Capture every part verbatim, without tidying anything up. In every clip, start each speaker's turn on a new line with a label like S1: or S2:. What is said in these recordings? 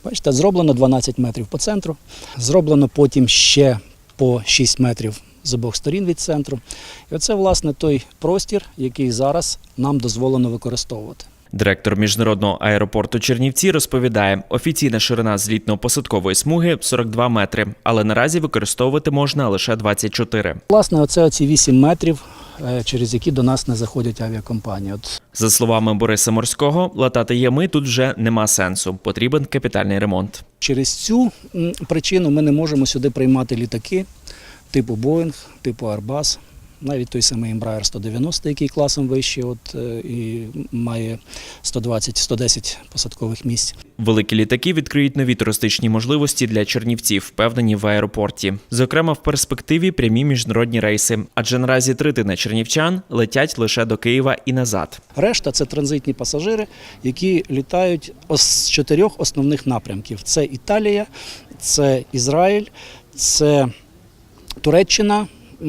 S1: Бачите, зроблено дванадцять метрів по центру, зроблено потім ще по шість метрів з обох сторін від центру. І оце, власне, той простір, який зараз нам дозволено використовувати.
S2: Директор міжнародного аеропорту Чернівці розповідає, офіційна ширина злітно-посадкової смуги – сорок два метри, але наразі використовувати можна лише двадцять чотири.
S1: Власне, оце оці вісім метрів, через які до нас не заходять авіакомпанії. От.
S2: За словами Бориса Морського, латати ями тут вже нема сенсу, потрібен капітальний ремонт.
S1: Через цю причину ми не можемо сюди приймати літаки типу Boeing, типу Airbus. Навіть той самий Embraer сто дев'яносто, який класом вищий, от, і має сто двадцять - сто десять посадкових місць.
S2: Великі літаки відкриють нові туристичні можливості для чернівців, впевнені в аеропорті. Зокрема, в перспективі прямі міжнародні рейси, адже наразі третина чернівчан летять лише до Києва і назад.
S1: Решта – це транзитні пасажири, які літають з чотирьох основних напрямків. Це Італія, це Ізраїль, це Туреччина,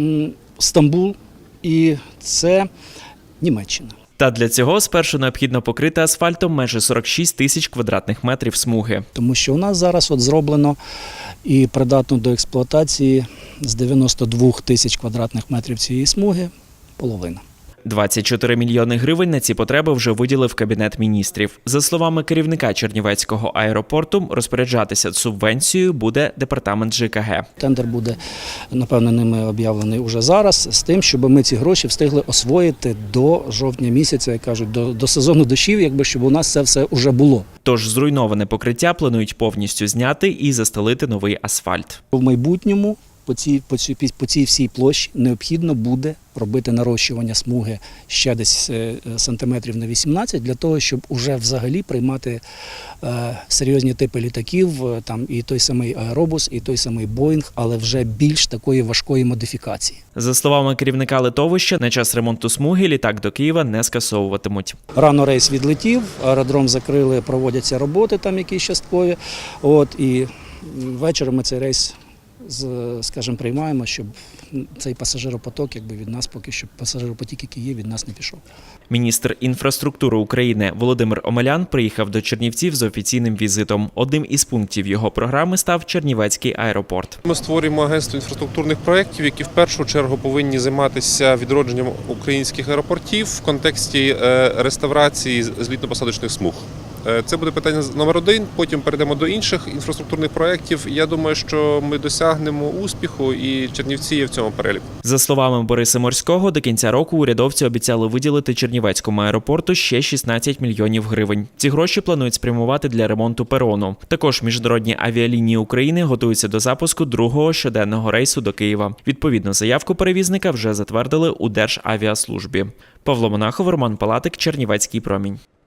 S1: Стамбул і це Німеччина.
S2: Та для цього спершу необхідно покрити асфальтом майже сорок шість тисяч квадратних метрів смуги.
S1: Тому що у нас зараз от зроблено і придатно до експлуатації з дев'яноста двох тисяч квадратних метрів цієї смуги половина.
S2: двадцять чотири мільйони гривень на ці потреби вже виділив Кабінет міністрів. За словами керівника Чернівецького аеропорту, розпоряджатися субвенцією буде департамент Ж К Г.
S1: Тендер буде, напевно, ними об'явлений уже зараз, з тим, щоб ми ці гроші встигли освоїти до жовтня місяця, як кажуть, до, до сезону дощів, якби, щоб у нас це все вже було.
S2: Тож зруйноване покриття планують повністю зняти і застелити новий асфальт.
S1: В майбутньому по цій, по цій, по цій всій площі необхідно буде робити нарощування смуги ще десь сантиметрів на вісімнадцять, для того, щоб уже взагалі приймати е, серйозні типи літаків, там і той самий аеробус, і той самий Боїнг, але вже більш такої важкої модифікації.
S2: За словами керівника литовища, на час ремонту смуги літак до Києва не скасовуватимуть.
S1: Рано рейс відлетів, аеродром закрили, проводяться роботи там якісь часткові, от, і ввечері ми цей рейс, скажімо, приймаємо, щоб цей пасажиропоток, якби від нас поки що пасажиропотік, який є, від нас не пішов.
S2: Міністр інфраструктури України Володимир Омелян приїхав до Чернівців з офіційним візитом. Одним із пунктів його програми став Чернівецький аеропорт.
S3: Ми створюємо агентство інфраструктурних проєктів, які в першу чергу повинні займатися відродженням українських аеропортів в контексті реставрації злітно-посадочних смуг. Це буде питання номер один, потім перейдемо до інших інфраструктурних проєктів. Я думаю, що ми досягнемо успіху, і Чернівці є в цьому переліку.
S2: За словами Бориса Морського, до кінця року урядовці обіцяли виділити Чернівецькому аеропорту ще шістнадцять мільйонів гривень. Ці гроші планують спрямувати для ремонту перону. Також міжнародні авіалінії України готуються до запуску другого щоденного рейсу до Києва. Відповідну заявку перевізника вже затвердили у Державіаслужбі. Павло Монахов, Роман Палатик, Чернівецький промінь.